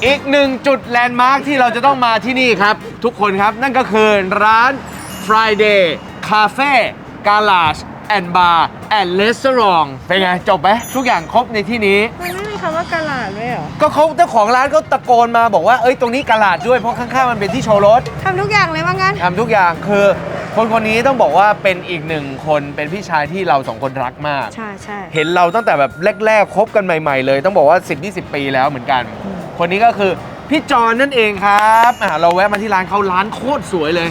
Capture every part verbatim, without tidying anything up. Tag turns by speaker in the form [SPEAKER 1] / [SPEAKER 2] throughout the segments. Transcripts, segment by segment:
[SPEAKER 1] อีกหนึ่งจุดแลนด์มาร์คที่เราจะต้องมาที่นี่ครับ ทุกคนครับนั่นก็คือร้าน Friday Cafe Garage and Bar and Restaurant เป็นไง จบไหมทุกอย่างครบในที่นี้
[SPEAKER 2] มันไม่มีคำว่ากะหลาดด้วยเหรอ
[SPEAKER 1] ก็เขาเจ้าของร้านเขาตะโกนมาบอกว่าเอ้ยตรงนี้กะหลาดด้วยเพราะข้างๆมันเป็นที่โชว์รถ
[SPEAKER 2] ทำทุกอย่างเลยว่างั้น
[SPEAKER 1] ทำทุกอย่างคือคนคนนี้ต้องบอกว่าเป็นอีกหนึ่งคนเป็นพี่ชายที่เราสองคนรักมาก
[SPEAKER 2] ใช่ใช่
[SPEAKER 1] เห็นเราตั้งแต่แบบแรกๆคบกันใหม่ๆเลยต้องบอกว่า สิบ ยี่สิบ ปีแล้วเหมือนกันคนนี้ก็คือพี่จอนนั่นเองครับอ่ะเราแวะมาที่ร้านเขาร้านโคตรสวยเลย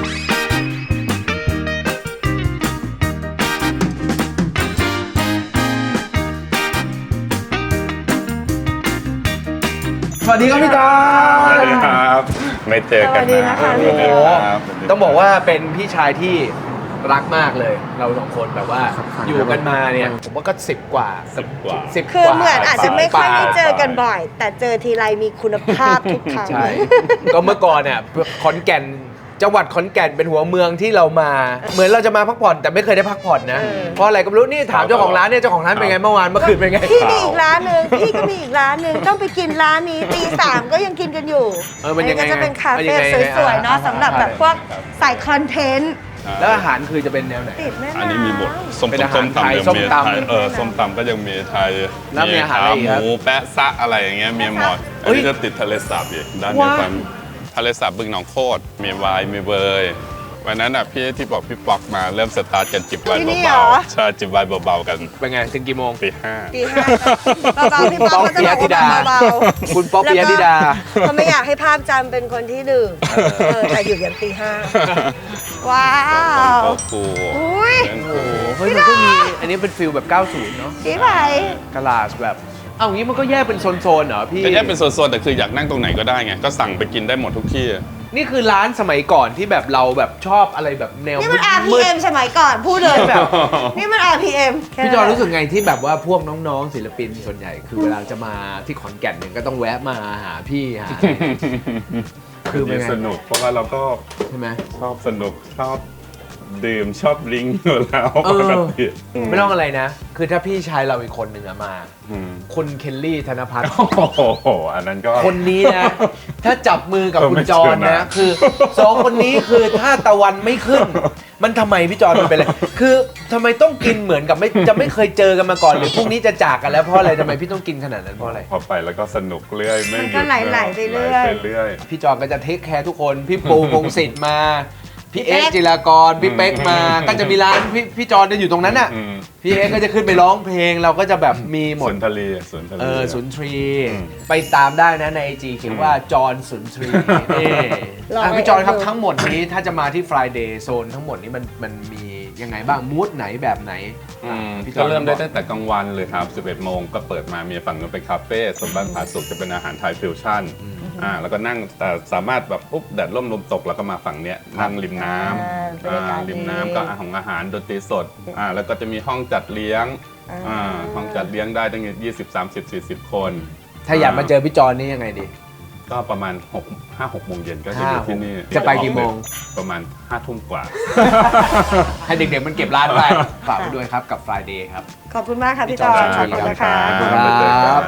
[SPEAKER 1] สวัสดีครับพี่จอน
[SPEAKER 3] สวัสดีครับไม่เจอกันนะ
[SPEAKER 2] สวัสดี
[SPEAKER 1] นะคะต้องบอกว่าเป็นพี่ชายที่รักมากเลยเราสองคนแบบว่าอยู่กันมาเนี่ยผมว่าก็สิบกว่า
[SPEAKER 3] สิบกว่า
[SPEAKER 1] สิบ
[SPEAKER 2] คือเหมือนอาจจะไม่ค่อยได้เจอกันบ่อยแต่เจอทีไรมีคุณภาพทุกครั้ง
[SPEAKER 1] ใช่ก็เมื่อก่อนเนี่ยขอนแก่นจังหวัดขอนแก่นเป็นหัวเมืองที่เรามาเหมือนเราจะมาพักผ่อนแต่ไม่เคยได้พักผ่อนนะเพราะอะไรก็ไม่รู้นี่ถามเจ้าของร้านเนี่ยเจ้าของร้านเป็นไงเมื่อวานเมื่อคืนเป็นไง
[SPEAKER 2] พี่มีอีกร้านหนึ่งพี่ก็มีอีกร้านหนึ่งต้องไปกินร้านนี้ตีสามก็ยังกินกันอยู่
[SPEAKER 1] เออมันยังไง
[SPEAKER 2] ก็จะเป็นคาเฟ่สวยๆเนาะสำหรับแบบพวกใส่คอนเทนต์
[SPEAKER 1] แล้วอาหารคือจะเป็นแนวไหน
[SPEAKER 2] ติดแม่น้ำ
[SPEAKER 3] อันนี้มีหมดส้มตำไทยส้มตำเออส้มตำก็ยังมีไทยมีขาหมูแปะซะอะไรอย่างเงี้ยมีหมดอันนี้ก็ติดทะเลสาบอีกด้านนี้ฝั่งทะเลสาบบึงหนองโคตรมีไวน์มีเบยวันนั้นอ่ะพี่ที่บอกพี่ป๊อกมาเริ่มสตาร์ทกันจิบไวน์เบาๆใช่จิบไวน์เบาๆกัน
[SPEAKER 1] เป็นไงถึงกี่โมง
[SPEAKER 3] ตีห้า
[SPEAKER 2] ตีห้าเบาๆพี่ป๊อกก็จะบอกว่าเบา
[SPEAKER 1] ๆคุณป๊อกปิยธิดา
[SPEAKER 2] เขาไม่อยากให้ภาพจำเป็นคนที่ดื่มแต่อยู่ยันตีห้าว้าว
[SPEAKER 3] กู
[SPEAKER 2] อุ้ย
[SPEAKER 1] โอ้โหเฮ้ยมันก็มีอันนี้เป็นฟิลแบบเก้าสิบเนาะ
[SPEAKER 2] จี๋ไป
[SPEAKER 1] กะลาสแบบเอางี้มันก็แยกเป็นโซนๆเหรอพี่
[SPEAKER 3] ก็แยกเป็นโซนๆแต่คืออยากนั่งตรงไหนก็ได้ไงก็สั่งไปกินได้หมดทุกที่
[SPEAKER 1] นี่คือร้านสมัยก่อนที่แบบเราแบบชอบอะไรแบบแนว
[SPEAKER 2] นี่มัน อาร์ พี เอ็ม สมัยก่อนพูดเลยแบบนี่มัน อาร์ พี เอ็ม
[SPEAKER 1] พี่จอรู้สึกไงที่แบบว่าพวกน้องๆศิลปินส่วนใหญ่คือเวลาจะมาที่ขอนแก่นเนี่ยก็ต้องแวะมาหาพี่หา
[SPEAKER 3] คือมันสนุกเพราะว่าเราก็
[SPEAKER 1] ใช่ไหม
[SPEAKER 3] ชอบสนุกชอบดื่มชอบลิงอยู่แล้วปกติ
[SPEAKER 1] ไม่ต้องอะไรนะคือถ้าพี่ชายเราอีกคนหนึ่งอะมาคุณเคลลี่ธนภัทร
[SPEAKER 3] โอ้โหอันนั้นก็
[SPEAKER 1] คนนี้นะถ้าจับมือกับคุณจอนนะคือสองคนนี้คือถ้าตะวันไม่ขึ้นมันทำไมพี่จอนมันเป็นอะไรคือทำไมต้องกินเหมือนกับไม่จะไม่เคยเจอกันมาก่อนหรือพรุ่งนี้จะจากกันแล้วเพราะอะไรทำไมพี่ต้องกินขนาดนั้นเพราะอะไร
[SPEAKER 3] พอไปแล้วก็สนุกเรื่อยไม่หยุด
[SPEAKER 2] ก็ไหลๆไปเรื่อย
[SPEAKER 1] พี่จอนก็จะเทคแคร์ทุกคนพี่ปูพงศิษฐ์มาพี่เอ็กจิรากรพี่เป๊กมาก็จะมีร้านพี่พี่จอนจะอยู่ตรงนั้นน่ะพี่เอ็กก็จะขึ้นไปร้องเพลงเราก็จะแบบมีหมด
[SPEAKER 3] สุนทรีสุนทรี
[SPEAKER 1] เออสุนทรีไปตามได้นะในไอจีเขียนว่าจอนสุนทรีนี่พี่จอนครับทั้งหมดนี้ถ้าจะมาที่ Friday โซนทั้งหมดนี้มันมันมียังไงบ้างมูดไหนแบบไหน
[SPEAKER 3] ก็เริ่มได้ตั้งแต่กลางวันเลยครับสิบเอ็ดโมงก็เปิดมามีฝั่งนู้นเป็นคาเฟ่ส่วนบ้านผาสุกจะเป็นอาหารไทยฟิวชั่นอ่าแล้วก็นั่งแต่สามารถแบบปุ๊บแดดร่มลมตกแล้วก็มาฝั่งเนี้ยนั่งริมน้ำอ่าริมน้ำก็อาหารอาหารดนตรีสดอ่าแล้วก็จะมีห้องจัดเลี้ยงอ่าห้องจัดเลี้ยงได้ตั้งยี่สิบ สามสิบ สี่สิบคน
[SPEAKER 1] ถ้าอยากมาเจอพี่จอนนี่ยังไงดี
[SPEAKER 3] ก็ประมาณหก ห้า หกโมงเย็นก็จะอยู่ที่นี่
[SPEAKER 1] จะไปกี่โมง
[SPEAKER 3] ประมาณห้าทุ่มกว่า
[SPEAKER 1] ให้เด็กๆมันเก็บร้านไปฝากไปด้วยครับกับ Friday ครับ
[SPEAKER 2] ขอบคุณมากครับพี่จอนขอบคุณนะคะ
[SPEAKER 1] ขอบคุณครับ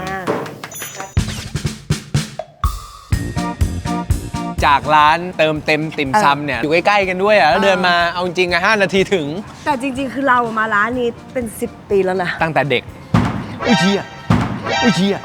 [SPEAKER 1] จากร้านเติมเต็มติ่มซำเนี่ยอยู่ใกล้ๆกันด้วยอ่ะแล้วเดินมาเอาจริงๆอ่ะห้านาทีถึง
[SPEAKER 2] แต่จริงๆคือเรามาร้านนี้เป็นสิบปีแล้วนะ
[SPEAKER 1] ตั้งแต่เด็กอุ้ยเชี่ยอุ้ยเชี่ย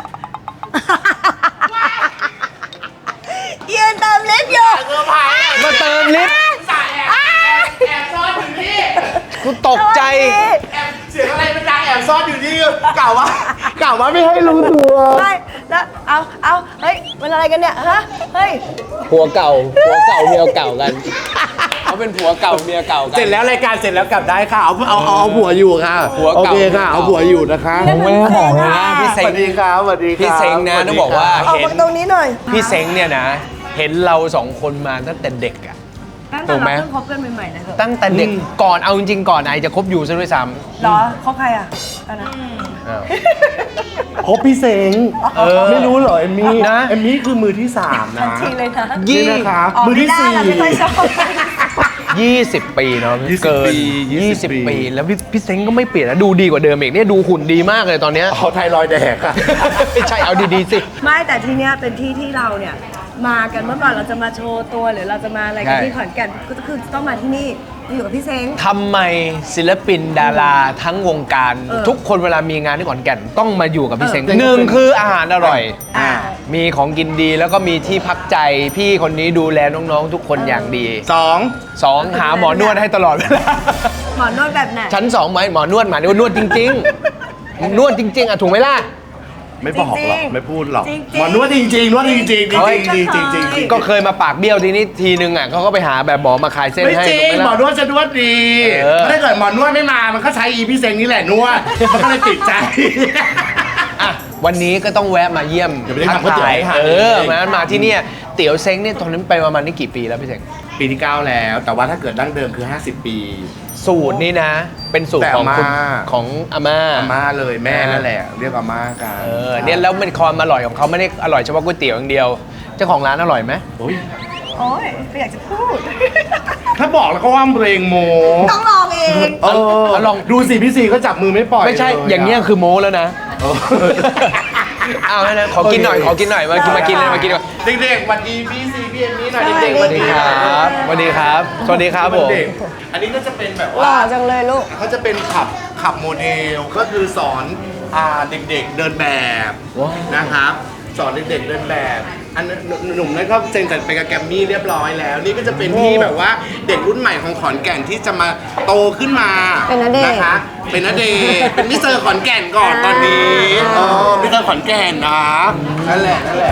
[SPEAKER 2] ยืนเติมลิฟต์อยู่
[SPEAKER 1] มาเติมลิฟต์
[SPEAKER 4] แอบซ่อนอยู่นี่
[SPEAKER 1] กูตกใจ
[SPEAKER 4] เสียงอะไรมันดังแอบซ่อนอยู่นี่กล่าวว่า กล่าวว่าไม่ให้รู้ตัว
[SPEAKER 2] ไม่แล้วเอาเอาเฮ้ยมันอะไรกันเนี่ยฮะเฮ้ย
[SPEAKER 1] ผัวเก่าผัวเก่าเมียเก่ากันเขาเป็นผัวเก่าเมียเก่ากัน
[SPEAKER 4] เสร็จแล้วรายการเสร็จแล้วกลับได้ค่ะเอาเอาเอาผัวอยู่ค่ะโอเคค่ะเอาผัวอยู่นะคะ
[SPEAKER 1] ผมไม่บอกนะพี่เซ็ง
[SPEAKER 4] สวัสดีครับสวัสดีครับ
[SPEAKER 1] พี่เซ็งนะต้องบอกว่า
[SPEAKER 2] เห็นตรงนี้หน่อย
[SPEAKER 1] พี่เซ็งเนี่ยนะเห็นเราสองคนมาตั้งแต่เด็กอะ
[SPEAKER 2] ถูกไหมตั้งแต่เราเพิ่งคบกันใหม่ๆนะ
[SPEAKER 1] ตั้งแต่เด็กก่อนเอาจริงๆก่อนไอจะคบอยู่ซะด้วยซ้
[SPEAKER 2] ำเหรอคบใครอ่ะตอนนั้น
[SPEAKER 4] คบพี่เซ็งไม่รู้เหรอเอมมี่นะเอมมี่คือมือที่สามนะ
[SPEAKER 2] ทีเลยนะ
[SPEAKER 4] ยี่นะครับมือที่สี่
[SPEAKER 1] ยี่สิบปีเนาะ
[SPEAKER 4] ยี่สิบ
[SPEAKER 1] เกิน
[SPEAKER 4] ปียี่สิบ
[SPEAKER 1] ยี่สิบ
[SPEAKER 4] ปี
[SPEAKER 1] ปี แล้วพี่พี่เซ้งก็ไม่เปลี่ยนนะดูดีกว่าเดิมอีกเนี่ยดูหุ่นดีมากเลยตอนเนี้ย
[SPEAKER 4] เอาไทรอยด์แดกอะ
[SPEAKER 1] ไม่ใช่เอาดีๆสิ
[SPEAKER 2] ไม่แต่ที่เนี้ยเป็นที่ที่เราเนี่ยมากันเมื่อก่อนเราจะมาโชว์ตัวหรือเราจะมาอะไรกัน
[SPEAKER 1] ใช่
[SPEAKER 2] ที่ขอนแก่นก็คือต้องมาที่นี่อยู่กับพี่เซ้ง
[SPEAKER 1] ทำไมศิลปินดาราทั้งวงการ
[SPEAKER 2] เออ
[SPEAKER 1] ทุกคนเวลามีงานที่ขอนแก่นต้องมาอยู่กับพี่เซ้ง
[SPEAKER 2] เออ
[SPEAKER 1] หนึ่งคืออาหารอร่อย
[SPEAKER 2] อ่า
[SPEAKER 1] มีของกินดีแล้วก็มีที่พักใจพี่คนนี้ดูแลน้องๆ ทุกคนอย่างดี
[SPEAKER 4] สอง
[SPEAKER 1] สองหาหมอนวดให้ตลอดเวลา
[SPEAKER 2] หมอนวดแบบไหน
[SPEAKER 1] ชั้นสองไหมหมอนวดหมายถึงว่านวดจริงๆ นวดจริง ๆอ่ะถูกไหมล่ะ
[SPEAKER 4] ไม่บอกหรอก
[SPEAKER 2] จริงๆ
[SPEAKER 4] ไม่พูดหรอก
[SPEAKER 2] จริงๆ
[SPEAKER 4] หมอนวดจริงๆนวดจริงๆจริงๆ
[SPEAKER 1] เฮ้ย
[SPEAKER 4] จริงๆจริงๆจริงๆจริงๆ
[SPEAKER 1] ก็เคยมาปากเบี้ยวทีนี้ทีนึงอ่ะเขาก็ไปหาแบบหมอมาคลายเส้น
[SPEAKER 4] ไม่
[SPEAKER 1] ให้
[SPEAKER 4] จริ
[SPEAKER 1] ถูก
[SPEAKER 4] ง
[SPEAKER 1] ไหม
[SPEAKER 4] หมอ
[SPEAKER 1] ล่ะ
[SPEAKER 4] นวดจะนวดดี
[SPEAKER 1] เออ
[SPEAKER 4] ถ้าเกิดหมอนวดไม่มามันก็ใช้อีพี่เซงนี่แหละนวดมันก็เลยติดใจ
[SPEAKER 1] อ่ะวันนี้ก็ต้องแวะมาเยี่ยม
[SPEAKER 4] เดี๋ยวไปได้ทำก๋วยเตี๋ยวให้ทาน
[SPEAKER 1] เออ
[SPEAKER 4] เอง
[SPEAKER 1] มามาที่เนี่ยเตี๋ยวเซ้งเนี่ยตอนนั้นไปประมาณนี้กี่ปีแล้วพี่เซ้ง
[SPEAKER 4] ปีที่เก้าแล้ว แต่ว่าถ้าเกิดดั้งเดิมคือ ห้าสิบ ปี
[SPEAKER 1] สูตรนี่นะ เป็นสูตรของ
[SPEAKER 4] แต่อาม่า
[SPEAKER 1] คุณของอาม่า
[SPEAKER 4] อาม่าเลยแม่นั่นแหละ เรียกอาม่ากัน
[SPEAKER 1] เออเนี่ยแล้วมันความอร่อยของเขาไม่ได้อร่อยเฉพาะก๋วยเตี๋ยวอย่างเดียวเจ้าของร้านอร่อยไหม
[SPEAKER 4] โอ้ย
[SPEAKER 2] โอ้ยไม่อยากจะพูด
[SPEAKER 4] ถ้าบอกแล้วก็ว่าเรงโม
[SPEAKER 2] ต้องลองเอง
[SPEAKER 4] เออ
[SPEAKER 1] เอาลอง
[SPEAKER 4] ดูสิพี่สีก็จับมือไม่ปล่อย
[SPEAKER 1] ไม่ใช่
[SPEAKER 4] ละ
[SPEAKER 1] อย่างเงี้ยคือโม้แล้วนะ
[SPEAKER 4] เออ
[SPEAKER 1] เอาให้นะขอกินหน่อยขอกินหน่อยมากินมากินเลยมากินก่อน
[SPEAKER 4] เด็กๆสวัสดีพี่ซีพี่เอมมี่หน่อย
[SPEAKER 2] สวัสดี
[SPEAKER 4] เด็กๆ
[SPEAKER 1] สวัสดีครับสวัสดีครับสวัสดีครับผม
[SPEAKER 4] เด็กอันนี้ก็จะเป็นแบบ
[SPEAKER 2] หล่
[SPEAKER 4] ว่า
[SPEAKER 2] อจังเลยลูก
[SPEAKER 4] เขาจะเป็นขับขับโมเดลก็คือสอนอ่าเด็กๆเดินแบบ
[SPEAKER 1] ว้าว
[SPEAKER 4] นะครับ สอนเด็กๆเดินแบบ อันนั้นหนุ่มๆนั่นก็เซ็นสัญญาไปกับแกรมมี่เรียบร้อยแล้ว นี่ก็จะเป็นที่แบบว่าเด็กรุ่นใหม่ของขอนแก่นที่จะมาโตขึ้นมา
[SPEAKER 2] เป็นณเดชน์
[SPEAKER 4] นะคะเป็นณเดชน์เป็นมิสเตอร์ขอนแก่นก่อนตอนนี้เออมิสเตอร์ขอนแก่นนะนั่นแหละนั่นแหละ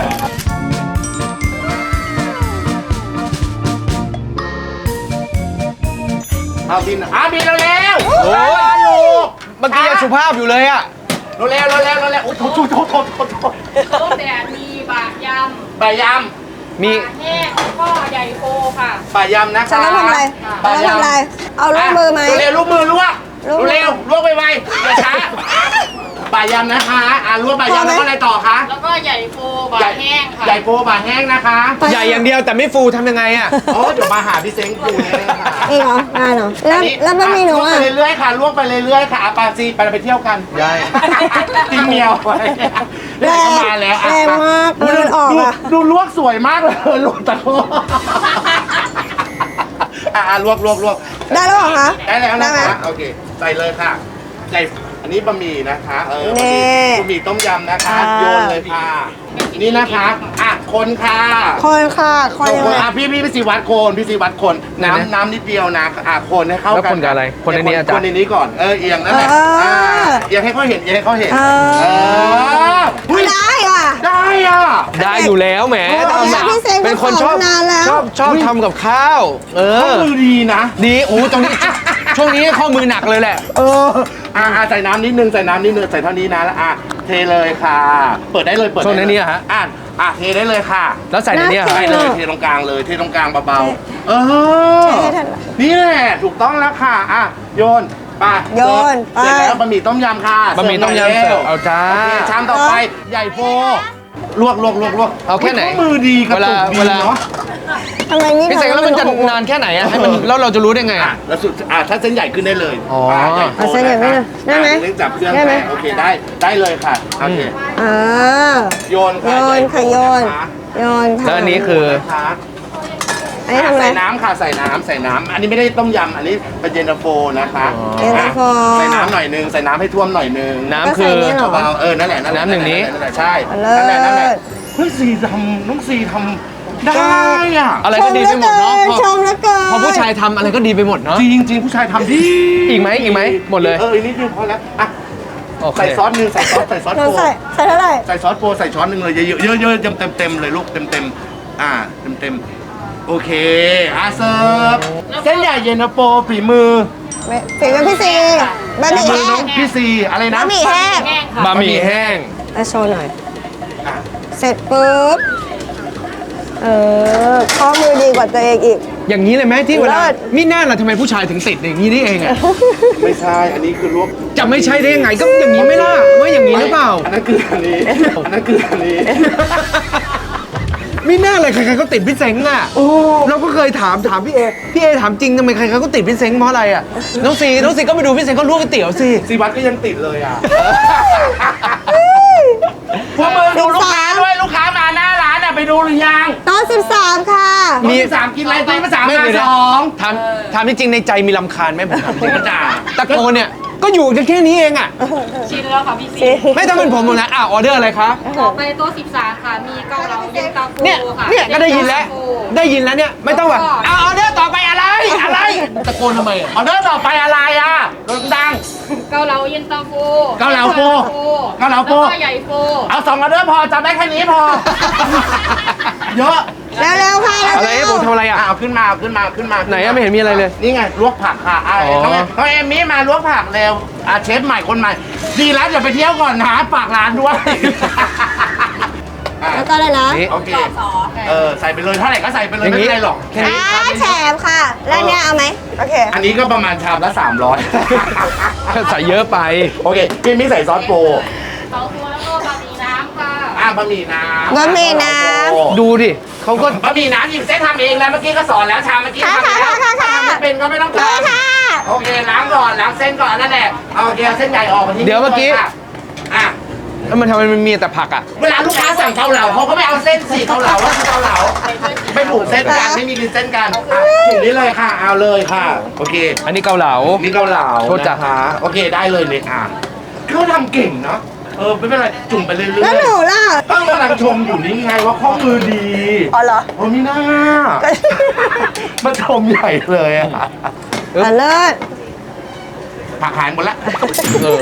[SPEAKER 4] เอาบินอ่ะบินเร็วๆ
[SPEAKER 1] โอ้ย
[SPEAKER 4] อยู่
[SPEAKER 1] เมื่อกี้ยังสุภาพอยู่เลยอ่ะ
[SPEAKER 4] เร็วเร็วเร็วเร็วเร็วโอ้โหโทษโทษโทษโทษโทษ
[SPEAKER 5] ต้มแดดมีบะย
[SPEAKER 4] ปลาย
[SPEAKER 5] ำ
[SPEAKER 1] มี
[SPEAKER 5] บะแห้งแล้วก็ใหญ่โฟค่ะ
[SPEAKER 4] ำปลายำนะคะ
[SPEAKER 2] ฉันต้องทำอะไร
[SPEAKER 4] ปลา
[SPEAKER 2] ฉันต้อง
[SPEAKER 4] ยำ
[SPEAKER 2] ทำอะไร เอาลูกมือไหม
[SPEAKER 4] เร็วๆลูกมือลวก
[SPEAKER 2] ลวก
[SPEAKER 4] เร็วๆลวกไวๆอย่าช้าปลายำนะคะอ่ะลวกปลายำแล้วก็อะไรต่อคะ
[SPEAKER 5] แล้วก็ใหญ่โฟบะแห้งค่ะ
[SPEAKER 4] ใหญ่โปบะแห้งนะคะ
[SPEAKER 1] ใหญ่อย่างเดียวแต่ไม่ฟูทำยังไงอ่ะ
[SPEAKER 4] โอ้เดี๋ยวมาหาพี่เซ้งกูแน่ค่ะ
[SPEAKER 2] อีกเหรอได้เหรอแล้ว
[SPEAKER 4] อันนี้
[SPEAKER 2] แล้วบะหมี่หนู
[SPEAKER 4] ลวก
[SPEAKER 2] อ่ะ
[SPEAKER 4] ไปเรื่อยๆค่ะลวกไปเรื่อยๆค่ะอ่ะปาซีไปไปเที่ยวกัน
[SPEAKER 1] ได้
[SPEAKER 4] จิ้มเมียวไปเดี๋ยวก็มาแล้วอ่ะ
[SPEAKER 2] แรงมาก
[SPEAKER 4] ดู
[SPEAKER 2] มันออก
[SPEAKER 4] ดู
[SPEAKER 2] อ่ะ
[SPEAKER 4] ดูลวกสวยมากเลยลวกตะโกอ่ะอ่ะลวกลวกลวก
[SPEAKER 2] ได้แล้วเหรอคะ
[SPEAKER 4] ได้แล้วนะ
[SPEAKER 2] ได้ไหม
[SPEAKER 4] คะโอเคใส่เลยค่ะใส่อันนี้บะหมี่นะคะเออ
[SPEAKER 2] นี่
[SPEAKER 4] บะหมี่ต้มยำนะคะ
[SPEAKER 2] อ่า
[SPEAKER 4] โยนเลยค่ะ นี่นะคะอ่ะคนค่ะ
[SPEAKER 2] คนค่ะคนยัง
[SPEAKER 4] คน
[SPEAKER 2] ไง
[SPEAKER 4] อ่ะพี่พี่พี่สีวัดโคนพี่สีวัดโคน
[SPEAKER 1] ไหนนะ
[SPEAKER 4] น้ำน้ำนิดเดียวนะอ่ะคนให้เข้า
[SPEAKER 1] แล้ว
[SPEAKER 4] กัน
[SPEAKER 1] คนกับอะไรคนในนี้อาจารย์
[SPEAKER 4] คนในนี้ก่อนเออเอียงนั่นแหละ
[SPEAKER 2] เอออ่
[SPEAKER 4] าเอียงให้เขาเห็นเอียงให้เขาเห็น
[SPEAKER 2] เออ
[SPEAKER 4] เอออุ๊ย
[SPEAKER 2] ได้อ่ะ
[SPEAKER 4] ได้อ่ะ
[SPEAKER 1] ได้อยู่แล้วแหม
[SPEAKER 2] โอ้ย
[SPEAKER 1] ทำอะ
[SPEAKER 2] พี่เซ้ง
[SPEAKER 1] เป็นคนชอบ
[SPEAKER 2] เขาสอนนานแล้ว
[SPEAKER 1] ชอบชอบทำกับข้าว เอ
[SPEAKER 4] ข้อ
[SPEAKER 1] อ
[SPEAKER 4] มือดีนะ
[SPEAKER 1] ดีโอ้ตรงนี้ ช่วงนี้ข้อมือหนักเลยแหละ
[SPEAKER 4] เอออ่ะอ่ะใส่น้ำนิดนึงใส่น้ำนิดนึงใส่เท่านี้นะแล้วอ่ะเทเลยค่ะ เปิดได้เลยเปิดได้
[SPEAKER 1] ช่วง
[SPEAKER 4] เลย
[SPEAKER 1] นี้อะฮะ
[SPEAKER 4] อ่ะอ่ะเทได้เลยค่ะ
[SPEAKER 1] แล้วใส่ในเนี้ย
[SPEAKER 2] น่า
[SPEAKER 4] ใส่
[SPEAKER 2] กิน
[SPEAKER 4] เลย
[SPEAKER 2] อะ
[SPEAKER 4] เทตรงกลางเลยเทตรงกลางเบาๆเออ
[SPEAKER 2] เทให้ทัน
[SPEAKER 4] นี่แหละถูกต้องแล้วค่ะอ่ะโยนไป
[SPEAKER 2] โยน
[SPEAKER 4] เสร็จ
[SPEAKER 2] ไป
[SPEAKER 4] แล้วบะหมี่ต้มยำค่ะ
[SPEAKER 1] บะหมี่ต้มยำเสิร์ฟเอาจ้า
[SPEAKER 4] โอเคชามต่อไปใหญ่โฟลวกลวกลวกลวก
[SPEAKER 1] เอาแค่ไหน
[SPEAKER 4] ข้อมือดีกระตุกดี
[SPEAKER 1] เวลา
[SPEAKER 4] เนาะ
[SPEAKER 2] ทำไมนี่
[SPEAKER 1] พี่เสกแล้วมันจะนานแค่ไหนอ่ะให้มันแล้วเราจะรู้ได้ไง
[SPEAKER 4] อ่ะ
[SPEAKER 1] อ่ะ
[SPEAKER 4] แล้วสุดอ่ะถ้าเส้นใหญ่ขึ้นได้เลย
[SPEAKER 1] อ๋อ
[SPEAKER 4] อ่ะใหญ่โฟ
[SPEAKER 2] เอาเส้นใหญ่ไม่ได้ได้ไหม
[SPEAKER 4] อ่ะเร่งจับเครื่อง
[SPEAKER 2] ได้ไหม
[SPEAKER 4] โอเคได้ได้เลยค่ะโอเค
[SPEAKER 2] อ่า
[SPEAKER 4] โยน
[SPEAKER 2] โย
[SPEAKER 4] ค่ะ
[SPEAKER 2] นค่ะโยน
[SPEAKER 4] นะคะ
[SPEAKER 2] โยนค่ะ
[SPEAKER 1] แล้วอันนี้คือ
[SPEAKER 4] นะคะ
[SPEAKER 2] อันนี้ทำอะไร
[SPEAKER 4] ใส่น้ำค่ะใส่น้ำใส่น้ำอันนี้ไม่ได้ต้มยำอันนี้เป็นเย็นตาโฟนะคะ
[SPEAKER 1] อ๋อ
[SPEAKER 2] เย็นตาโฟ
[SPEAKER 4] ใส่น้ำหน่อยนึงใส่น้ำให้ท่วมหน่อยนึง
[SPEAKER 1] น้ำคือ
[SPEAKER 2] ก็ใส่นี่เหรอ
[SPEAKER 4] เบาๆเออนั่นแหละนั่นแหละ
[SPEAKER 1] น้ำหนึ่งนี้
[SPEAKER 4] นั่นแหละใช่
[SPEAKER 2] เลิ
[SPEAKER 4] นั่นแหละนั่นแหละ
[SPEAKER 2] ศ
[SPEAKER 4] เฮ้ยซีทำน้องซีทำได้อ่ะ
[SPEAKER 1] อะไรก็ดีไปหมดเนาะพอ
[SPEAKER 2] ชมแล้วเกิน
[SPEAKER 1] พอผู้ชายทำอะไรก็ดีไปหมดเนาะ
[SPEAKER 4] จริงจริงๆผู้ชายทำดี
[SPEAKER 1] อีกไหมอีกไหมหมดเลย
[SPEAKER 4] เอออีกนิดนึงพอแล้วอ่ะ
[SPEAKER 1] โอเค
[SPEAKER 4] ใส่ซอสหนึ่งใส่ซอสใส่ซอส
[SPEAKER 2] เรา
[SPEAKER 4] โฟ
[SPEAKER 2] ใส่ใส่เท่าไหร่
[SPEAKER 4] ใส่ซอสโฟใส่ช้อนหนึ่งเลยเยอะๆเยอะๆเต็มเต็มเต็มๆเลยลูกเต็มเต็มๆอ่าเต็มเต็มๆโอเคอาเซิร์ฟเส้นใหญ่เย็นตาโฟฝีมือ
[SPEAKER 2] ไม่ฝีมือพี่ซีบะหมี่
[SPEAKER 4] ฝีมือ
[SPEAKER 2] แห้
[SPEAKER 4] น้อง งพี่ซีอะไรนะ
[SPEAKER 2] บะหมี่แห้ง
[SPEAKER 5] แห้งค่ะ
[SPEAKER 1] บะหมี่แห้ง
[SPEAKER 2] อ่ะโชว์หน่อย
[SPEAKER 4] อ่ะ
[SPEAKER 2] เสร็จปุ๊บ เออ ข้อมือดีกว่าตัวเองอีก
[SPEAKER 1] อย่างนี้เลยไหมที่เวลา
[SPEAKER 2] เลิศ
[SPEAKER 1] มิน่าล่ะทำไมผู้ชายถึงติดอย่างนี้นี่เองอ่ะ
[SPEAKER 4] ไม่ใช่อันนี้คือลวก
[SPEAKER 1] จะไม่ใช่ได้ยังไงก็อย่างนี้ไม่ล่ะว่าอย่างนี้หรือเปล่า
[SPEAKER 4] อันนั้นคืออันนี้อันนั้นคืออันนี้
[SPEAKER 1] ไม่น่าเลยใครๆก็ติดพี่เซ้งอ่ะเราก็เคยถามถามพี่เอพี่เอถามจริงทำไมใครๆก็ติดพี่เซ้งเพราะอะไรอ่ะน้องซีน้องซีก็ไปดูพี่เซ้งก็ลวกก๋วยเตี๋ยวสิ
[SPEAKER 4] ซีวัดก็ยังติดเลยอ่ะ
[SPEAKER 2] พวกมึงดูลูกค้าด้วย
[SPEAKER 4] ลูกค้ามาหน้าร้านอ่ะไปดูหรือยัง
[SPEAKER 2] โต๊ะสิบสามค่ะ
[SPEAKER 4] มีสามกินอะไรตีมาสาม
[SPEAKER 1] ไม่
[SPEAKER 4] มา
[SPEAKER 1] เดี๋ยว
[SPEAKER 4] ส
[SPEAKER 1] นะ
[SPEAKER 4] อง
[SPEAKER 1] ถามถามจริงๆในใจมีลำคาญไหมผมถามจริง
[SPEAKER 4] กระจา
[SPEAKER 1] ตะโกนเนี่ยก็อยู่กันแค่นี้เองอ่ะ
[SPEAKER 5] ชินแล้วค่ะพี่ซี
[SPEAKER 1] ไม่ต้องเป็นผมหรอกนะอ่ะออเดอร์อะไรคะ
[SPEAKER 5] ต่อไปโต๊ะสิบสามค่ะ มีเกาเหลาเย็นตาโฟ
[SPEAKER 1] เนี่ย
[SPEAKER 5] ค่ะ
[SPEAKER 1] เนี่ยก็ได้ยินแล้ว ได้ยินแล้วเนี่ยไม่ต้องแบบเอาออเดอร์ต่อไปอะไรอะไรตะโกนทำไมอ่ะ
[SPEAKER 4] ออเดอร์ต่อไปอะไรอ่ะดัง
[SPEAKER 5] เกาเหลาเย็นตาโฟ
[SPEAKER 4] เกาเหลาโฟเกาเหลาโฟ
[SPEAKER 5] แล้วก็ใหญ่โฟ
[SPEAKER 4] เอาสองออเดอร์พอจำได้แค่นี้พอ เยอะ
[SPEAKER 2] เร็วๆค่ะ
[SPEAKER 1] อะไรให้ผมทำอะไรอ่ะ
[SPEAKER 4] เอาขึ้นมาเอาขึ้นมาขึ้นมา
[SPEAKER 1] ไหนอะไม่เห็นมีอะไรเลย
[SPEAKER 4] นี่ไงลวกผักค่ะอ่ะ
[SPEAKER 1] อ๋อ
[SPEAKER 4] น้องเอน้องเอมมี่มาลวกผักเร็วอ่ะเชฟใหม่คนใหม่ ดีแล้วอย่าไปเที่ยวก่อนนะฝากร้านด้วยอ่ะ
[SPEAKER 2] แล้วก็เลยนะ
[SPEAKER 1] นี่
[SPEAKER 4] โอเค
[SPEAKER 5] ซอส
[SPEAKER 4] เออใส่ไปเลยเท่าไหร่ก็ใส่ไปเลย
[SPEAKER 1] อย่าง
[SPEAKER 4] ไม่
[SPEAKER 1] นี้
[SPEAKER 4] เป็นไรหรอก
[SPEAKER 1] แค่นี้
[SPEAKER 2] อ่าแถมค่ะ แล้วเนี่ยเอาไหมโอเค
[SPEAKER 4] อันนี้ก็ประมาณชามละสามร้อย
[SPEAKER 1] ใส่เยอะไป
[SPEAKER 4] โอเคพี่มิใส่ซอสโปร
[SPEAKER 5] สองตัวแล้วก็บะหมี่น้ำค่ะ
[SPEAKER 4] อ่ะบะหมี่น้ำ
[SPEAKER 2] บะหมี่น้ำ
[SPEAKER 1] ดูดิเขาก็
[SPEAKER 4] บะหมี่น้ำหยิบเส้นทำเองแล้วเมื่อกี้ก็สอนแล้วชามเมื่อกี้
[SPEAKER 2] ค่ะ
[SPEAKER 4] ทำแล้ว
[SPEAKER 2] ค่ะค่ะค่ะ
[SPEAKER 4] ทำไม่เป็นก็ไม่ต้อง
[SPEAKER 2] เลย
[SPEAKER 4] ทำ
[SPEAKER 2] ค่ะ
[SPEAKER 4] โอเคล้างก่อนล้างเส้นก่อนนั่นแหละเอาโอเคเอาเส้นใหญ่ออกมาที่
[SPEAKER 1] เดี๋ยวเมื่อกี้
[SPEAKER 4] ค่ะอ่ะ
[SPEAKER 1] แล้วมันทำไมมันมีแต่ผักอ่ะ
[SPEAKER 4] เวลาลูกค้าสั่งเกาเหลาเขาก็ไม่เอาเส้นสี่เกาเหลาว่าคือเกาเหลาไม่ผูกเส้นกันไม่มีริมเส้นกันอ่ะถึงนี้เลยค่ะเอาเลยค่ะโอเค
[SPEAKER 1] อันนี้เกาเหลา
[SPEAKER 4] นี่เกาเหลา
[SPEAKER 1] โทษจ้ะ
[SPEAKER 4] นะคะโอเคได้เลยเนี่ยอ่ะเขาทำเก่งเนาะเออไม่เป็นไรจุ่มไปเรื่อยๆ
[SPEAKER 2] แล้วหนูล่ะ
[SPEAKER 4] ต้องกำลังชมอยู่นี่ไงว่าข้อมือดี
[SPEAKER 2] อ๋อเหรอ
[SPEAKER 4] โอ้มีหน้ามาชมใหญ่เลยอะ
[SPEAKER 2] อ่ะเลิศ
[SPEAKER 4] ผักหายหมดละ
[SPEAKER 1] เออ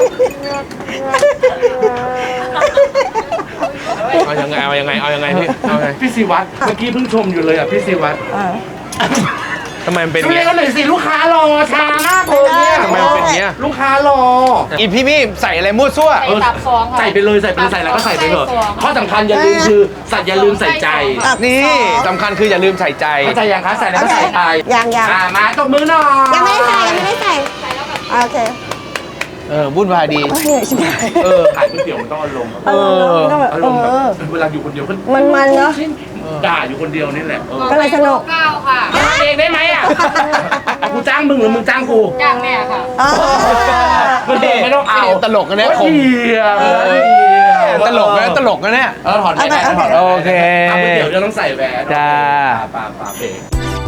[SPEAKER 1] เอายังไงเอายังไงเอายังไงพี่เอาไง
[SPEAKER 4] พี่ศิวัตรเมื่อกี้เพิ่งชมอยู่เลยอ่ะพี่ศิวัตร
[SPEAKER 1] ทำไมมันเป็น
[SPEAKER 4] ช่วย
[SPEAKER 1] เงี้ย
[SPEAKER 4] กันหน่อยสิลูกค้ารอช้ามากเลยเนี่ย
[SPEAKER 1] ทำไมมันเป็นเงี้ย
[SPEAKER 4] ลูกค้ารอ
[SPEAKER 1] อีพี่มี่ใส่อะไรมั่วซั่ว
[SPEAKER 5] ใส่ตับฟองค่ะ
[SPEAKER 4] ใส่ไปเลยใส่ไปเลยใส่แล้วก็ใส่ไปเถอะ
[SPEAKER 5] ใส่ฟอง
[SPEAKER 4] ข้อสำคัญอย่าลืมคือใส่อย่าลืมใส่ใจ
[SPEAKER 2] ตับ
[SPEAKER 1] นี่
[SPEAKER 2] สอง
[SPEAKER 1] สำคัญคืออย่าลืมใส่ใจ
[SPEAKER 4] เข้าใจยังคะใส่แล้วก็ใส่ไป
[SPEAKER 2] ยังยัง
[SPEAKER 4] อ่ามาตบมือหน่อย
[SPEAKER 2] ยังไม่ได้ใส่ยังไม่ได้ใส่โอเค
[SPEAKER 1] เออวุ่นวายดี
[SPEAKER 2] โอ้ยเหนื่อยชิบหาย
[SPEAKER 1] เออ
[SPEAKER 4] ขายก๋วยเตี๋ยวมันต้องอารมณ์อะ
[SPEAKER 1] เออ
[SPEAKER 2] ต้องแบบ
[SPEAKER 4] อา
[SPEAKER 2] เอ
[SPEAKER 4] รมณ์แบบ
[SPEAKER 2] อ
[SPEAKER 4] เวลาอยู่คนเดียวก็
[SPEAKER 2] มันๆเนอะ
[SPEAKER 4] ด่าอยู่คนเดียวนี่แหละเออ
[SPEAKER 2] ก็เลยสนุก
[SPEAKER 5] เก้าค่ะ
[SPEAKER 4] ทำเองได้ไหมอ่ะกูจ้างมึงหรือมึงจ้างกู
[SPEAKER 5] จ้างแม่ค่ะ
[SPEAKER 2] เออ
[SPEAKER 4] ไม่ได้ไม่ต้องเอา
[SPEAKER 1] ตลกนะเนี่ย
[SPEAKER 4] โอ้ยเหี้ย
[SPEAKER 1] เออ
[SPEAKER 4] เหี้ย
[SPEAKER 1] ตลกนะตลกนะเนี่ย
[SPEAKER 4] เออถอนไปได้ถอน
[SPEAKER 1] โอเค
[SPEAKER 4] เอาก๋วยเตี๋ยวจะต้องใส่แหวน
[SPEAKER 1] จ้า
[SPEAKER 4] ปาปาเพลง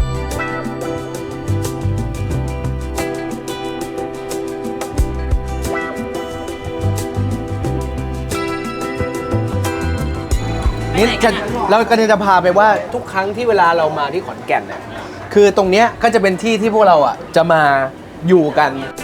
[SPEAKER 1] นี่จะเราก็จะพาไปว่าทุกครั้งที่เวลาเรามาที่ขอนแก่นเนี่ยคือตรงเนี้ยก็จะเป็นที่ที่พวกเราอ่ะจะมาอยู่กัน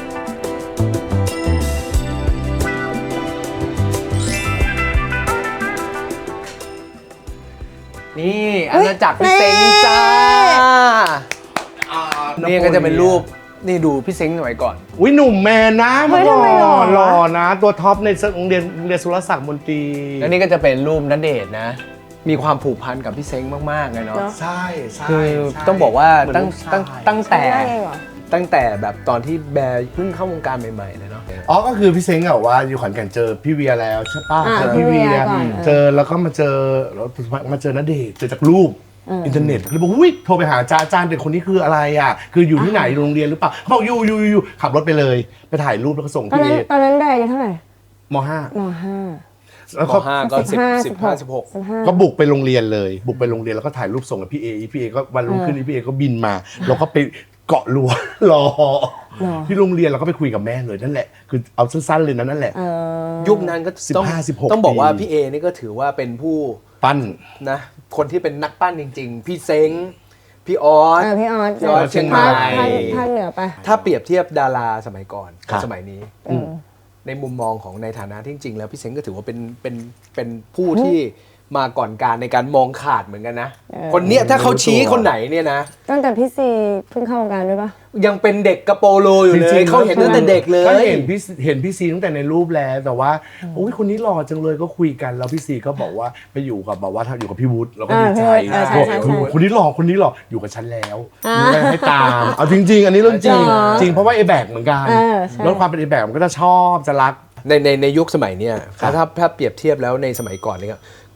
[SPEAKER 1] นี่อาณาจักรพี่เซ้งจ้า
[SPEAKER 4] อ่า
[SPEAKER 1] นี่ก็จะเป็นรูปนี่ดูพี่เซ้งสมัยก่อน
[SPEAKER 4] อุ้ยหนุ่มแมนนะ
[SPEAKER 2] เฮ้ยทำไมหล่อวะ
[SPEAKER 4] หล่อนะ ตัวท็อปในโรงเรียนโรงเรียนสุรศักดิ์มนตรี
[SPEAKER 1] แล้วนี่ก็จะเป็นรูปณเดชน์นะ มีความผูกพันกับพี่เซ้งมากๆเลยเนาะ
[SPEAKER 4] ใช่ใช่
[SPEAKER 1] คือ
[SPEAKER 4] ใช่
[SPEAKER 1] ต้องบอกว่า
[SPEAKER 4] เหมือน
[SPEAKER 1] ตั้ง
[SPEAKER 4] ลูกชาย
[SPEAKER 1] ตั้งตั้งแต่
[SPEAKER 2] ได้เองเหรอ
[SPEAKER 1] ตั้งแต่แบบตอนที่แบร์เพิ่งเข้าวงการใหม่ๆเลยเนาะ
[SPEAKER 4] อ๋อก็คือพี่เซ้งอะว่าอยู่ขอนแก่นเจอพี่เวียแล้วใช่ป่ะ
[SPEAKER 2] อ่า
[SPEAKER 4] เจอพี่เวีย
[SPEAKER 2] พี่เวียก่อน
[SPEAKER 4] เจอแล้วก็มาเจอแล้วมาเจอณเดชน์เจอจากรูปอินเทอร์เน็ตเลยบอกอุ้ยโทรไปหาอาจารย์อาจารย์เด็กคนนี้คืออะไรอ่ะคืออยู่ที่ไหนโรงเรียนหรือเปล่าเขาบอกอยู่อยู่อยู่อยู่ขับรถไปเลยไปถ่ายรูปแล้วก็ส่ง
[SPEAKER 2] ตอน
[SPEAKER 4] พี่
[SPEAKER 2] นั้นตอนนั้นได้อายุเท่าไหร่
[SPEAKER 4] มห้าม
[SPEAKER 2] ห้า
[SPEAKER 4] แล้ว
[SPEAKER 1] ม
[SPEAKER 4] ก็
[SPEAKER 1] ห้าก็สิบสิบห้าสิบหก
[SPEAKER 2] สิบห้า
[SPEAKER 4] ก็บุกไปโรงเรียนเลย บุกไปโรงเรียนแล้วก็ถ่ายรูปส่งกับพี่เอพี่เอก็วันรุ่งขึ้นพี่เอก็บินมาเราก็ไปเกาะรั้ว รอที่โรงเรียนเราก็ไปคุยกับแม่เลยนั่นแหละคือเอาสั้นๆเลยนะนั่นแหละ
[SPEAKER 2] เออ
[SPEAKER 1] ยุคนั้นก็ต้อง
[SPEAKER 4] สิบห้าสิบหก
[SPEAKER 1] ต้องบอกว่า
[SPEAKER 4] ปี
[SPEAKER 1] พี่เอนี่ก็ถือว่าเป็นผู้
[SPEAKER 4] ปั้น
[SPEAKER 1] นะคนที่เป็นนักปั้นจริงๆ พี่เซ้งพี่ออส
[SPEAKER 2] เออพี่ออส
[SPEAKER 1] พี่ออสเชียงใหม่
[SPEAKER 2] ภาคภาคภาคเหนือปะ
[SPEAKER 1] ถ้าเปรียบเทียบดาราสมัยก่อน
[SPEAKER 4] ครั
[SPEAKER 1] กับบ สมัยนี้
[SPEAKER 2] เออ
[SPEAKER 1] ในมุมมองของในฐานะที่จริงๆแล้วพี่เซ้งก็ถือว่าเป็นเป็นเป็นผู้ที่มาก่อนการในการมองขาดเหมือนกันนะ
[SPEAKER 2] เออ
[SPEAKER 1] คนเนี้ยถ้าเขาชี้คนไหนเนี่ยนะ
[SPEAKER 2] ตั้งแต่พี่ซีเพิ่งเข้าวงการด้วยปะ
[SPEAKER 1] ยังเป็นเด็กกระโปโลอยู่เล
[SPEAKER 4] จริ
[SPEAKER 1] ย
[SPEAKER 4] งๆ
[SPEAKER 1] เขาเห็นตั้งแต่เด็กเล
[SPEAKER 4] ก็
[SPEAKER 1] ย
[SPEAKER 4] เห็นพี่เห็นพี่ซีตั้งแต่ในรูปแล้วแต่ว่าโอ้ยคนนี้หล่อจังเลยก็คุยกันแล้วพี่ซีก็บอกว่าไปอยู่กับแบบว่าอยู่กับพี่วุฒิเราก็ดีใจ
[SPEAKER 2] เออใช่ใช่ใช่
[SPEAKER 4] บอกคนนี้หล่อคนนี้หล่ออยู่กับฉันแล้ว
[SPEAKER 2] อ่า
[SPEAKER 4] ไม่ให้ตามเอาจริง ๆ อันนี้เรื่องจริง
[SPEAKER 2] เหรอ
[SPEAKER 4] จริงเพราะว่าไอแบกเหมือนกัน
[SPEAKER 2] เออใช่
[SPEAKER 4] แล้วความเป็นไอแบกมันก็จะชอบจะรัก
[SPEAKER 1] ในในในยุคสมัยเนี้ย
[SPEAKER 4] ครับ
[SPEAKER 1] ถ้าถ้าเปรียบเทียบแล้วในสมัยก่อนเนี่ยค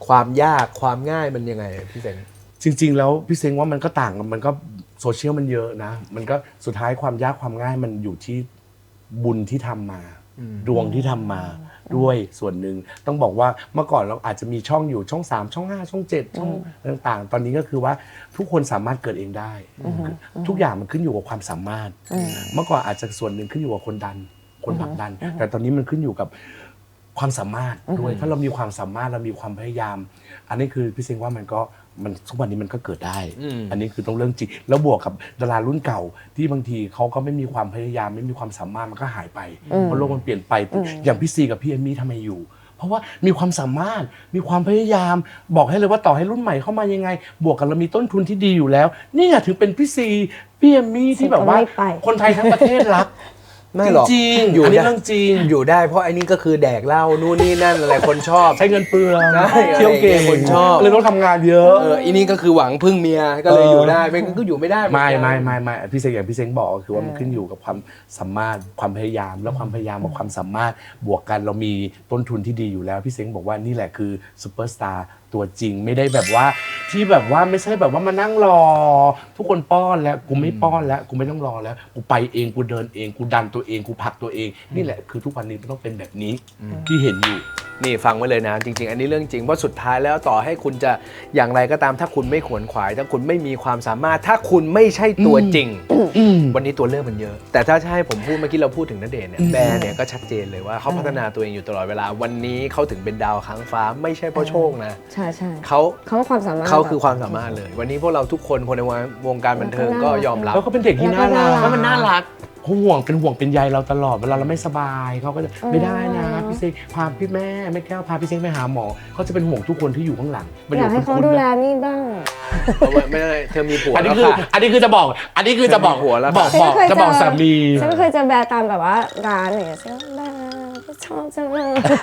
[SPEAKER 1] ความยากความง่ายมันยังไงพี่เซง
[SPEAKER 4] จริง ๆ แล้วพี่เซ้งว่ามันก็ต่างกันมันก็โซเชียลมันเยอะนะ มันก็สุดท้ายความยากความง่ายมันอยู่ที่บุญที่ทำมา ดวงที่ทำมาด้วยส่วนหนึ่งต้องบอกว่าเมื่อก่อนเราอาจจะมีช่องอยู่ช่องสามช่องห้าช่องเจ็ดช่องต่างๆ ตอนนี้ก็คือว่าทุกคนสามารถเกิดเองได้ ทุกอย่างมันขึ้นอยู่กับความสามารถ เมื่อก่อนอาจจะส่วนหนึ่งขึ้นอยู่กับคนดันคนผลักดัน แต่ตอนนี้มันขึ้นอยู่กับความสามารถด้วยถ้าเรามีความสามารถเรามีความพยายาม อันนี้คือพี่เซ้งว่ามันก็มันทุกวันนี้มันก็เกิดได้ อันนี้คือต้องเรื่องจริงแล้วบวกกับดารารุ่นเก่าที่บางทีเขาก็ไม่มีความพยายามไม่มีความสามารถมันก็หายไปเพราะโลกมันเปลี่ยนไปอย่างพี่ซีกับพี่เอมมี่ทำไมอยู่ เพราะว่ามีความสามารถมีความพยายามบอกให้เลยว่าต่อให้รุ่นใหม่เข้ามายังไง บวกกับเรามีต้นทุนที่ดีอยู่แล้วนี่ไงถึงเป็นพี่ซีพี่เอมมี่ที่แบบว่าคนไทยทั้งประเทศรัก
[SPEAKER 1] ไม่หรอก
[SPEAKER 4] จริงๆ
[SPEAKER 1] อยู่
[SPEAKER 4] อันนี้
[SPEAKER 1] ได้
[SPEAKER 4] เรื่องจริง
[SPEAKER 1] อยู่ได้เพราะไอ้นี่ก็คือแดกเหล้านู่นนี่นั่นอะไรคนชอบ
[SPEAKER 4] ใช้เงินเปลือง
[SPEAKER 1] ใช่
[SPEAKER 4] เที่ยวเก่ง
[SPEAKER 1] คนชอบ
[SPEAKER 4] เลยต้องทำงานเยอะ
[SPEAKER 1] เอออีนี่ก็คือหวังพึ่งเมียก็เลย
[SPEAKER 4] เออ
[SPEAKER 1] อ
[SPEAKER 4] อ
[SPEAKER 1] ยู่ได้ไม่งั้นก็อยู่ไม่ได้เหอน
[SPEAKER 4] ไม่
[SPEAKER 1] กัน
[SPEAKER 4] ไม่ไม่ไม่พี่เซ้งอย่างพี่เซ้งบอกก็คือว่ามันขึ้นอยู่กับความสามารถความพยายามแล้วความพยายามกับความสามารถบวกกันเรามีต้นทุนที่ดีอยู่แล้วพี่เซ้งบอกว่านี่แหละคือซูเปอร์สตาร์ตัวจริงไม่ได้แบบว่าที่แบบว่าไม่ใช่แบบว่ามานั่งรอ ทุกคนป้อนแล้วกูไม่ป้อนแล้วกูไม่ต้องรอแล้วกูไปเองกูเดินเองกูดันตัวเองกูผลักตัวเองนี่แหละคือทุกวันนี้มันต้องเป็นแบบนี้ที่เห็นอยู่
[SPEAKER 1] นี่ฟังไว้เลยนะจริงๆ อันนี้เรื่องจริงเพราะสุดท้ายแล้วต่อให้คุณจะอย่างไรก็ตามถ้าคุณไม่ขวนขวายถ้าคุณไม่มีความสามารถถ้าคุณไม่ใช่ตัวจริง
[SPEAKER 4] อืม
[SPEAKER 1] วันนี้ตัวเลือกมันเยอะ แต่ถ้าจะให้ผมพูดเมื่อกี้เราพูดถึงณเดชน์เนี่ยแบร์เนี่ยก็ชัดเจนเลยว่าเขาพัฒนาตัวเองอยู่ตลอดเวลาวันนี้เขาถึงเป็นดาวค้างฟ้าไม่ใช่เพราะโชคนะ
[SPEAKER 2] ใช่ใช่
[SPEAKER 1] เขา
[SPEAKER 2] เขาก็ความสามารถ
[SPEAKER 1] เขาคือความสามารถเลย วันนี้พวกเราทุกคนคนในวงการบันเทิงก็ยอมรับ
[SPEAKER 4] แล้วก็เป็นเด็กที่น่ารัก
[SPEAKER 1] แล้วมันน่ารัก
[SPEAKER 4] เขาห่วงเป็นห่วงเป็นใยเราตลอดเวลาเราไม่สบายเขาก็จะไม่ได้นะพี่เซ้งพาพี่แม่แม่แก้วพาพี่เซ้งไปหาหมอเขาจะเป็นห่วงทุกคนที่อยู่ข้างหลัง
[SPEAKER 2] อยากให้เขาดูแลนี่บ้าง
[SPEAKER 1] เอาไว้ไม่ได้เธอมีผัว
[SPEAKER 4] อันนี้
[SPEAKER 1] แล้ว
[SPEAKER 4] คือ
[SPEAKER 1] ค่ะ
[SPEAKER 4] อันนี้คือจะบอก อันนี้คือจะบอก
[SPEAKER 1] หัวแล้ว
[SPEAKER 4] บอกบอกจะบอกสามี
[SPEAKER 2] ฉันเคยเจอแบร์ตามแบบว่าร้านอะไรอย่างเงี้ยฉันแบร์ชอบจังเลย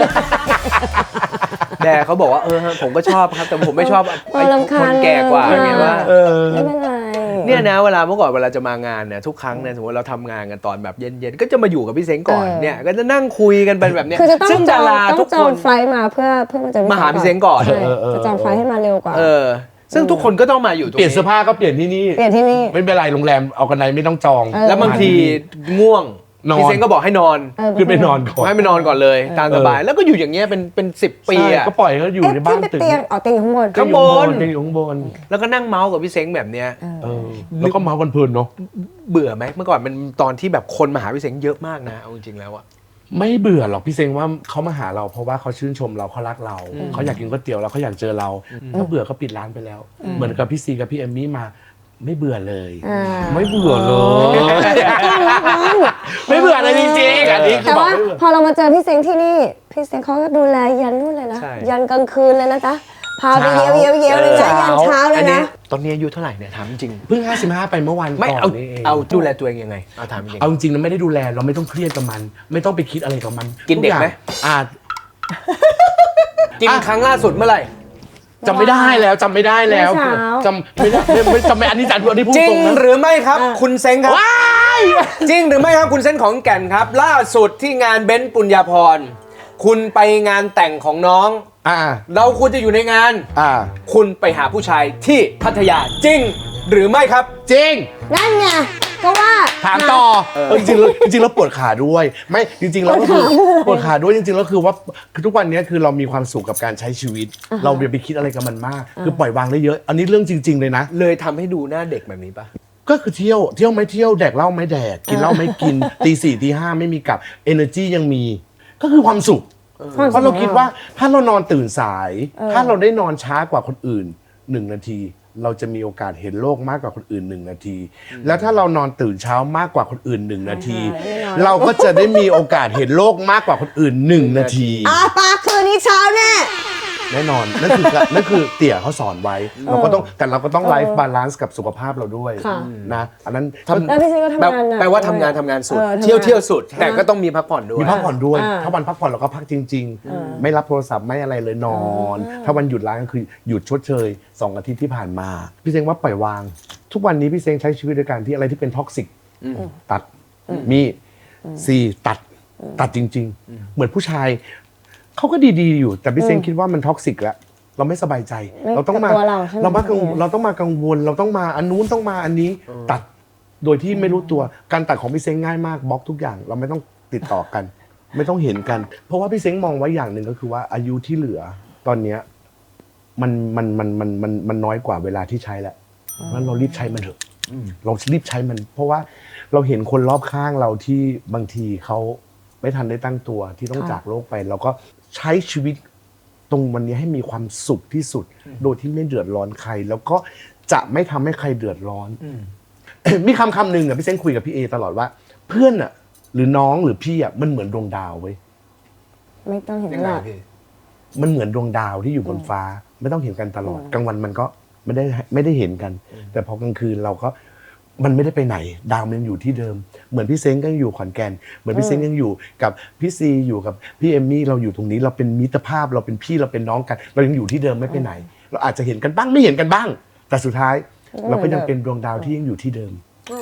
[SPEAKER 1] แต่เขาบอกว่าเออผมก็ชอบครับแต่ผมไม่ชอบ
[SPEAKER 2] เอ
[SPEAKER 1] ไอ้
[SPEAKER 2] อรำคาญ
[SPEAKER 1] คนแก่กว่า
[SPEAKER 2] เลย
[SPEAKER 1] ไงว่า
[SPEAKER 4] เออ
[SPEAKER 2] ไม่เป็นไร
[SPEAKER 1] เนี่ยนะเวลาเมื่อก่อนเวลาจะมางานเนี่ยทุกครั้งเนี่ยสมมติเราทำงานกันตอนแบบเย็นๆก็จะมาอยู่กับพี่เซ้งก่อน
[SPEAKER 2] เออ
[SPEAKER 1] เนี่ยก็จะนั่งคุยกันเป็นแบบเนี้ย
[SPEAKER 2] คือจะต้อง
[SPEAKER 1] ซึ่ง
[SPEAKER 2] จ
[SPEAKER 1] ดา
[SPEAKER 2] อง
[SPEAKER 1] รา
[SPEAKER 2] ต้อ
[SPEAKER 1] ทุ
[SPEAKER 2] ง
[SPEAKER 1] ก
[SPEAKER 2] จ
[SPEAKER 1] ค
[SPEAKER 2] อง
[SPEAKER 1] น
[SPEAKER 2] ไฟล์มาเพื่อเพื่อมันจะ
[SPEAKER 1] มาหาพี่เซ้งก่อน
[SPEAKER 2] ใช่จะจองไฟล์ให้มาเร็วกว่า
[SPEAKER 1] เออซึ่งทุกคนก็ต้องมาอยู่ตรง
[SPEAKER 4] เปลี่ยน
[SPEAKER 1] นี้
[SPEAKER 4] เสื้อผ้าก็เปลี่ยนที่นี่
[SPEAKER 2] เปลี่ยนที่นี่
[SPEAKER 4] ไม่เป็นไรโรงแรมเอากันไดไม่ต้องจอง
[SPEAKER 2] เออ
[SPEAKER 1] แล้วบางทีง่วง
[SPEAKER 4] นอน
[SPEAKER 1] พี่เซ้งก็บอกให้นอน
[SPEAKER 2] เออ
[SPEAKER 4] ขึ้นไปนอนก่อน
[SPEAKER 1] ให้ไปนอนก่อนเลยตามสบายแล้วก็อยู่อย่างเงี้ยเป็นเป็นสิบปี
[SPEAKER 4] ใช่
[SPEAKER 1] อะ
[SPEAKER 4] ก็ปล่อยเขาอยู่
[SPEAKER 2] เอ๊ะ
[SPEAKER 4] ในบ้าน
[SPEAKER 2] ขึ้นไป
[SPEAKER 4] ตึก
[SPEAKER 2] เตียงอ๋อเตียงอยู่ข้างบน
[SPEAKER 1] ข้างบน
[SPEAKER 4] เตียงอยู่ข้างบน
[SPEAKER 1] แล้วก็นั่งเมาส์กับพี่เซ้งแบบเนี้ย
[SPEAKER 4] เออแล้วก็เมากันเพลินเนาะ
[SPEAKER 1] เบื่อไหมเมื่อก่อนมันตอนที่แบบคนมาหาพี่เซ้งเยอะมากนะเอาจริงๆแล้วอะ
[SPEAKER 4] ไม่เบื่อหรอกพี่เซ้งว่าเขามาหาเราเพราะว่าเขาชื่นชมเราเขารักเราเขาอยากกินก๋วยเตี๋ยวแล้วเขาอยากเจอเราถ้าเบื่อก็ปิดร้านไปแล้ว เหมือนกับพี่ซีกับพี่เอมมี่มาไม่เบื่อเลย
[SPEAKER 2] อ่า
[SPEAKER 4] ไม่เบื่อเลยไม่เบื่อเลยจริงๆอันนี้คือ
[SPEAKER 2] แต่
[SPEAKER 4] บอก
[SPEAKER 2] ว่า
[SPEAKER 4] ไม่เบื่อ
[SPEAKER 2] พอเรามาเจอพี่เซ้งที่นี่พี่เซ้งเขาก็ดูแลยันนู่นเลยนะ
[SPEAKER 1] ใช่
[SPEAKER 2] ยันกลางคืนเลยนะจ๊ะพาไปเยี่ยวเยี่ยวเยี่ยวเลยนะยันเช้าเลย
[SPEAKER 1] อันนี้
[SPEAKER 2] นะ
[SPEAKER 1] ตอนนี้อายุเท่าไหร่เนี่ยถามจริง
[SPEAKER 4] เพิ่งห้าสิบห้าไปเมื่อวัน
[SPEAKER 1] ไม่
[SPEAKER 4] ก่อน
[SPEAKER 1] เอา
[SPEAKER 4] นี่เอง
[SPEAKER 1] เอาดูแลตัวเองยังไงเอาถามจริง
[SPEAKER 4] เอาจริงๆเราไม่ได้ดูแลเราไม่ต้องเครียดกับมัน ไม่ต้องไปคิดอะไรกับมัน
[SPEAKER 1] กินเด็กไหม
[SPEAKER 4] ทุอย่างอ่า
[SPEAKER 1] กินครั้งล่าสุดเมื่อไหร่
[SPEAKER 4] จำไม่ได้แล้วจำไม่ได้แล้ว
[SPEAKER 2] เมื่อเช้า
[SPEAKER 4] จำไม่ได้ไม่ไม่จำไม่อันนี้จัดอันนี้พูด
[SPEAKER 1] จริง
[SPEAKER 4] ตรงนะ
[SPEAKER 1] หรือไม่ครับ
[SPEAKER 2] อ่า
[SPEAKER 1] คุณเซ้งครับ
[SPEAKER 4] ว้าย
[SPEAKER 1] จริงหรือไม่ครับคุณเซ้งของแก่นครับ ล่าสุดที่งานเบนซ์ปุญญาพรคุณไปงานแต่งของน้อง
[SPEAKER 4] อ่า
[SPEAKER 1] เราควรจะอยู่ในงาน
[SPEAKER 4] อ่า
[SPEAKER 1] คุณไปหาผู้ชายที่พัทยาจริง หรือไม่ครับ
[SPEAKER 4] จริง
[SPEAKER 2] นั่นไงก็ว่า
[SPEAKER 4] ถามต่อเออจริงๆแล้วจริงๆแล้วปวดขาด้วย ไม่จริงๆแล้วก็คือปวดขาด้วยจริงๆแล้วคือว่าคือทุกวันนี้คือเรามีความสุขกับการใช้ชีวิต เราอย่าไปคิดอะไรกับมันมาก คือปล่อยวางได้เยอะ อันนี้เรื่องจริง ๆเลยนะ
[SPEAKER 1] เลยทำให้ดูหน้าเด็กแบบนี้ปะ
[SPEAKER 4] ก็คือเที่ยวเที่ยวไม่เที่ยวแดกเหล้าไม่แดกกินเหล้าไม่กิน ตีสี่ตีห้าไม่มีกลับ energy ยังมี ก็คือความสุข เพราะเราคิดว่าถ้าเรานอนตื่นสาย ถ้าเราได้นอนช้ากว่าคนอื่นหนึ่งนาที เราจะมีโอกาสเห็นโลกมากกว่าคนอื่นหนึ่งนาที แล้วถ้าเรานอนตื่นเช้ามากกว่าคนอื่นหนึ่งนาที เราก็จะได้มีโอกาสเห็นโลกมากกว่าคนอื่นหนึ่งนาที
[SPEAKER 2] อาปากคืนนี้เช้าแน่
[SPEAKER 4] แน่นอนนั่นคือนั่นคือเตี่ยเขาสอนไว้ เราก็ต้องแต่เราก็ต้องไลฟ์บาลานซ์กับสุขภาพเราด้วย
[SPEAKER 2] ค่ะ
[SPEAKER 4] นะอันนั้น
[SPEAKER 1] ทำ
[SPEAKER 2] แล้วพี่เซ้งก็
[SPEAKER 1] แปล
[SPEAKER 2] ทำงานหนัก
[SPEAKER 1] แปลว่าทำงานทำงานสุด
[SPEAKER 2] ออทำงาน
[SPEAKER 1] เที่ยวเที่ยวสุด แต่ก็ต้องมีพักผ่อนด้วย
[SPEAKER 4] มีพักผ่อนด้วย
[SPEAKER 2] อ่า
[SPEAKER 4] ถ้าวันพักผ่อนเราก็พักจริง ๆ ไม่รับโทรศัพท์ไม่อะไรเลยนอน ถ้าวันหยุดร้านก็คือหยุดชดเชยสองอาทิตย์ที่ผ่านมา พี่เซ้งว่าปล่อยวาง ทุกวันนี้พี่เซ้งใช้ชีวิตด้วยการที่อะไรที่เป็นท็อกซิกตัดมีสี่ตัดตัดจริง ๆ เหมือนผู้ชายเขาก็ดีๆอยู่ แต่พี่เซ้งคิดว่ามันท็อกซิกแล้วเราไม่สบายใจ
[SPEAKER 2] ไม่
[SPEAKER 4] เราต้องมา
[SPEAKER 2] กับตัวเราใช่ไหม
[SPEAKER 4] เรามากัง
[SPEAKER 2] เออ
[SPEAKER 4] เราต้องมากังวล เราต้องมาอันนู้นต้องมาอันนี้ตัดโดยที่ไม่รู้ตัวการตัดของพี่เซ้งง่ายมากบล็อกทุกอย่าง เราไม่ต้องติดต่อกัน ไม่ต้องเห็นกัน เพราะว่าพี่เซ้งมองไว้อย่างหนึ่งก็คือว่าอายุที่เหลือตอนเนี้ยมันมันมันมันมันมันน้อยกว่าเวลาที่ใช้แล้วเพราะฉะนั้นเรารีบใช้มันเถอะเรารีบใช้มัน เพราะว่าเราเห็นคนรอบข้างเราที่บางทีเขาไม่ทันได้ตั้งตัวที่ต้องจากโลกไป เราก็ใช้ชีวิตตรงวันนี้ให้มีความสุขที่สุด โดยที่ไม่เดือดร้อนใคร แล้วก็จะไม่ทำให้ใครเดือดร้อน มีคำคำหนึ่งอ่ะพี่เซ้งคุยกับพี่เอตลอดว่า เพื่อนอ่ะ หรือน้องหรือพี่อ่ะมันเหมือนดวงดาวเว้ย
[SPEAKER 2] ไม่ต้องเห็น
[SPEAKER 1] ยัง
[SPEAKER 2] ห
[SPEAKER 1] ไง
[SPEAKER 2] รอก
[SPEAKER 1] พี่
[SPEAKER 4] มันเหมือนดวงดาวที่อยู่บนฟ้า ไม่ต้องเห็นกันตลอดกลางวันมันก็ไม่ได้ไม่ได้เห็นกัน แต่พอกลางคืนเราก็มันไม่ได้ไปไหน ดาวมันยังอยู่ที่เดิม เหมือนพี่เซ้งก็ยังอยู่ขอนแก่นเหมือนพี่เซ้งยังอยู่กับพี่ซีอยู่กับพี่เอมมี่เราอยู่ตรงนี้เราเป็นมิตรภาพเราเป็นพี่เราเป็นน้องกัน เรายังอยู่ที่เดิมไม่ไปไหน เราอาจจะเห็นกันบ้างไม่เห็นกันบ้าง แต่สุดท้ายเราก็ยังเป็นดวงดาวที่ยังอยู่ที่เดิม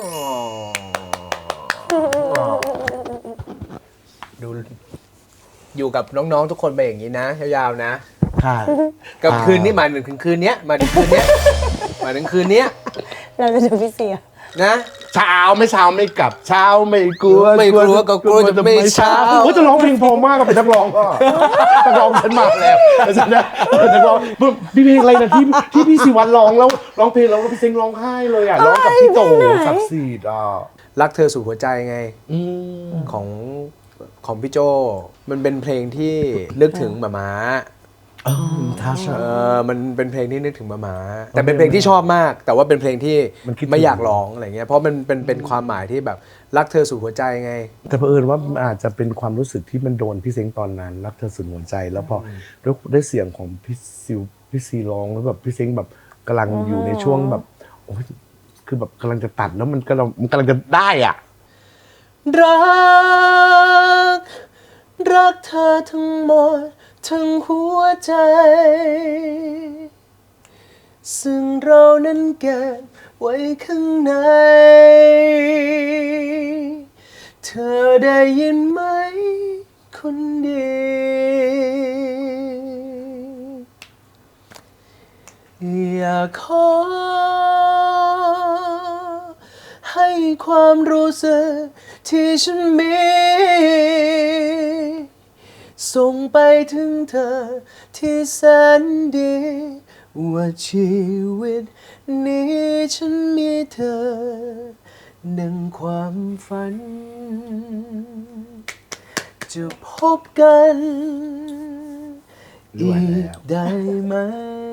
[SPEAKER 1] ดูอยู่กับน้องๆทุกคนไปอย่างนี้นะยาวๆนะ
[SPEAKER 4] ค่ะ
[SPEAKER 1] กับคืนนี้หมายถึงคืนเนี้ยหมายถึงคืนเนี้ยหมายถึงคืนเนี้ย
[SPEAKER 2] เราจะดูพี่เสีย
[SPEAKER 1] นะ
[SPEAKER 4] เช้าไม่เช้าไม่กลับเช้าไม่กลัว
[SPEAKER 1] ไม่กลัวก็กลัวจะไม่เช้า
[SPEAKER 4] โอ้ยจะร้องเพลงเพอมากกับเป็นนักร้องก็นักร้องฉันมาแล้วฉันนะนักร้องพี่เพลงอะไรนะที่ที่พี่ศิวัตรร้องแล้วร้องเพลงแล้วพี่เซ็งร้องไห้เลยอ่ะร้องกับพี่โตสับสีดอ่ะ
[SPEAKER 1] รักเธอสู่หัวใจไง
[SPEAKER 4] อืม
[SPEAKER 1] ของของพี่โจมันเป็นเพลงที่นึกถึงหมาม้า
[SPEAKER 4] เออท่าช
[SPEAKER 1] เออมันเป็นเพลงที่นึกถึงหมาม้าแต่เป็นเพลงที่ชอบมาก แต่ว่าเป็นเพลงที่
[SPEAKER 4] มันคิดถึง
[SPEAKER 1] ไม่อยากร้องอะไรเงี้ยเพราะมันเป็นเป็นความหมายที่แบบรักเธอสู่หัวใจไง
[SPEAKER 4] แต่เผอิญว่ามันอาจจะเป็นความรู้สึกที่มันโดนพี่เซ็งตอนนั้นรักเธอสุดหัวใจ แล้วพอด้วยด้วยเสียงของพี่ซิวพี่ซีร้องแล้วแบบพี่เซ็งแบบกำลังอยู่ในช่วงแบบโอ้ยคือแบบกำลังจะตัดแล้วมันกำลังมันกำลังจะได้อ่ะ
[SPEAKER 1] รัก รักเธอทั้งหมดทั้งหัวใจ ซึ่งเรานั้นเก็บไว้ข้างใน เธอได้ยินไหมคนดี อยากขอให้ความรู้สึกที่ฉันมีส่งไปถึงเธอที่แสนดีว่าชีวิตนี้ฉันมีเธอหนึ่งความฝัน จะพบกัน
[SPEAKER 4] ด้ว
[SPEAKER 1] อี
[SPEAKER 4] ยแล้
[SPEAKER 1] ก
[SPEAKER 4] ว
[SPEAKER 1] ได้ไหม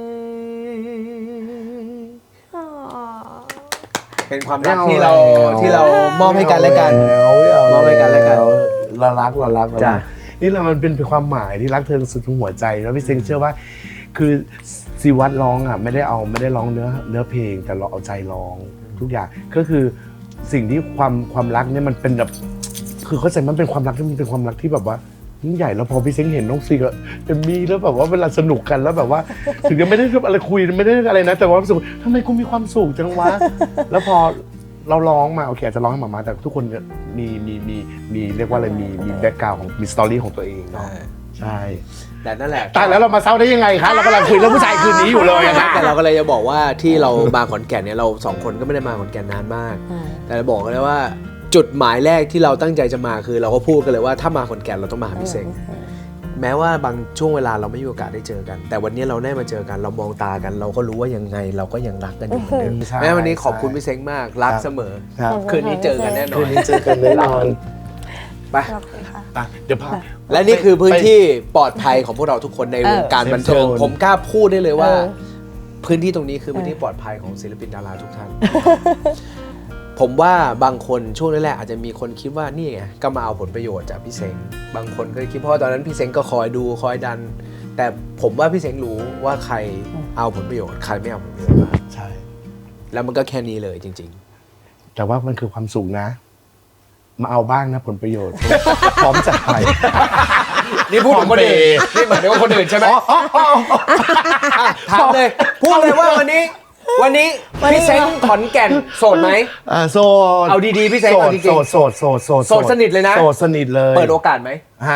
[SPEAKER 1] เป็นความรักที่เราที่เรามอบให้กันและกัน มอบให้กันและกัน
[SPEAKER 4] เรารักเรารักเรา
[SPEAKER 1] จ้ะ
[SPEAKER 4] รักนี่แหละมันเป็นความหมายที่รักเธอสุดหัวใจแล้วพี่เซงเชื่อว่า คือซีวัตร้องอ่ะไม่ได้เอาไม่ได้ร้องเนื้อเนื้อเพลงแต่เราเอาใจร้องทุกอย่างก็คือสิ่งที่ความความรักเนี่ยมันเป็นแบบคือเข้าใจมันเป็นความรักที่มันเป็นความรักที่แบบว่ายิ่งใหญ่แล้วพอพี่เซ้งเห็นน้องซีกับเอมมี่แล้วแบบว่าเวลาสนุกกันแล้วแบบว่า ถึงจะไม่ได้อะไรคุยไม่ได้อะไรนะแต่ว่ารู้สึกว่าทำไมกูมีความสุขจังวะ แล้วพอเราร้องมาโอเคอาจจะร้องให้หมามาแต่ทุกคนเนี่ยมีมีมีมีเรียกว่าอะไรมีมีแบ็กกราวด์ของมีสตอรี่ของตัวเองเนาะใช่
[SPEAKER 1] แต่นั่นแหละ
[SPEAKER 4] ตายแล้วเรามาเศร้าได้ยังไงคะเรากำลังคุยเรื่องผู้ชายคืนนี้อยู่เลยอะค่ะ
[SPEAKER 1] แต่เราก็เลยจะบอกว่าที่เรามาขอนแก่นเนี่ยเราสองคนก็ไม่ได้มาขอนแก่นนานมาก แต่เราบอกกันเลยว่าจุดหมายแรกที่เราตั้งใจจะมาคือ เราก็พูดกันเลยว่าถ้ามาขอนแก่นเราต้องมาหาพี่เซ็งแม้ว่าบางช่วงเวลาเราไม่มีโอกาสได้เจอกัน แต่วันนี้เราได้มาเจอกันเรามองตากัน เราก็รู้ว่ายังไงเราก็ยังรักกันอยู่เหมือนเดิม
[SPEAKER 4] ใช่
[SPEAKER 1] แม้วันนี้ขอบคุณพี่เซ็งมากรัก
[SPEAKER 4] ครับ
[SPEAKER 1] เสมอ
[SPEAKER 4] ครับ
[SPEAKER 1] คืนนี้เจอกันแน่นอ
[SPEAKER 4] คื
[SPEAKER 1] น
[SPEAKER 4] นนี้เจอกันแน่นอน
[SPEAKER 1] ไป
[SPEAKER 2] ขอบคุณค่ะ
[SPEAKER 4] ไปเดี๋ยวพา
[SPEAKER 1] และนี่คือพื้นที่ปลอดภัยของพวกเราทุกคนในวงการบันเทิง
[SPEAKER 4] เซฟโซน
[SPEAKER 1] ผมกล้าพูดได้เลยว่า
[SPEAKER 2] เออ
[SPEAKER 1] พื้นที่ตรงนี้คือพื้นที่ปลอดภัยของศิลปินดาราทุกท่าน ผมว่าบางคนช่วงแรกๆอาจจะมีคนคิดว่านี่ไงก็มาเอาผลประโยชน์จากพี่เซ้งบางคนก็คิดเพราะว่าตอนนั้นพี่เซ้งก็คอยดูคอยดัน แต่ผมว่าพี่เซ้งรู้ว่าใครเอาผลประโยชน์ใครไม่เอาผลประโยชน์มา
[SPEAKER 4] ใช่
[SPEAKER 1] แล้วมันก็แค่นี้เลยจริง
[SPEAKER 4] แต่ว่ามันคือความสุขนะ มาเอาบ้างนะผลประโยชน์ พร้อมจะไป
[SPEAKER 1] ๆ นี่พูดถึงคนอื่นนี่หมายถึงว่าคนอื่นใช่ไหมอ่ะถามเลยพูดเลยว่าวันนี้ วันนี้พี่เซ้งขอนแก่นโสดไหม
[SPEAKER 4] อ่าโสด
[SPEAKER 1] เอาดีๆพี่เซ้ง
[SPEAKER 4] โส
[SPEAKER 1] เอา
[SPEAKER 4] ด
[SPEAKER 1] จริงๆ
[SPEAKER 4] โสดโสดโสด
[SPEAKER 1] โสดสนิทเลยนะ
[SPEAKER 4] โสดสนิทเลย
[SPEAKER 1] เปิดโอกาสไหม
[SPEAKER 4] ฮะ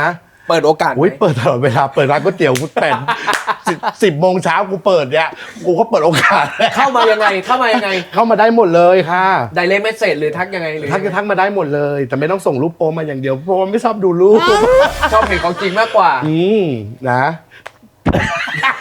[SPEAKER 1] เปิดโอกาสไหม
[SPEAKER 4] อุ้ยเปิดตลอดเวลาเปิดร้านก๋วยเตี๋ยวกูแปดสิบสิบโมงเช้ากูเปิดเนี่ยกูก็เปิดโอกาส
[SPEAKER 1] เข้ามายังไงเข้ามายังไง
[SPEAKER 4] เข้ามาได้หมดเลยค่ะ
[SPEAKER 1] ไดเรกเมสเซจหรือทักยังไงหรือ
[SPEAKER 4] ทักจะทักมาได้หมดเลย แต่ไม่ต้องส่งรูปโป๊มาอย่างเดียวเพราะว่าไม่ชอบดูรูป
[SPEAKER 1] ชอบเห็นของจริงมากกว่า
[SPEAKER 4] อืมนะ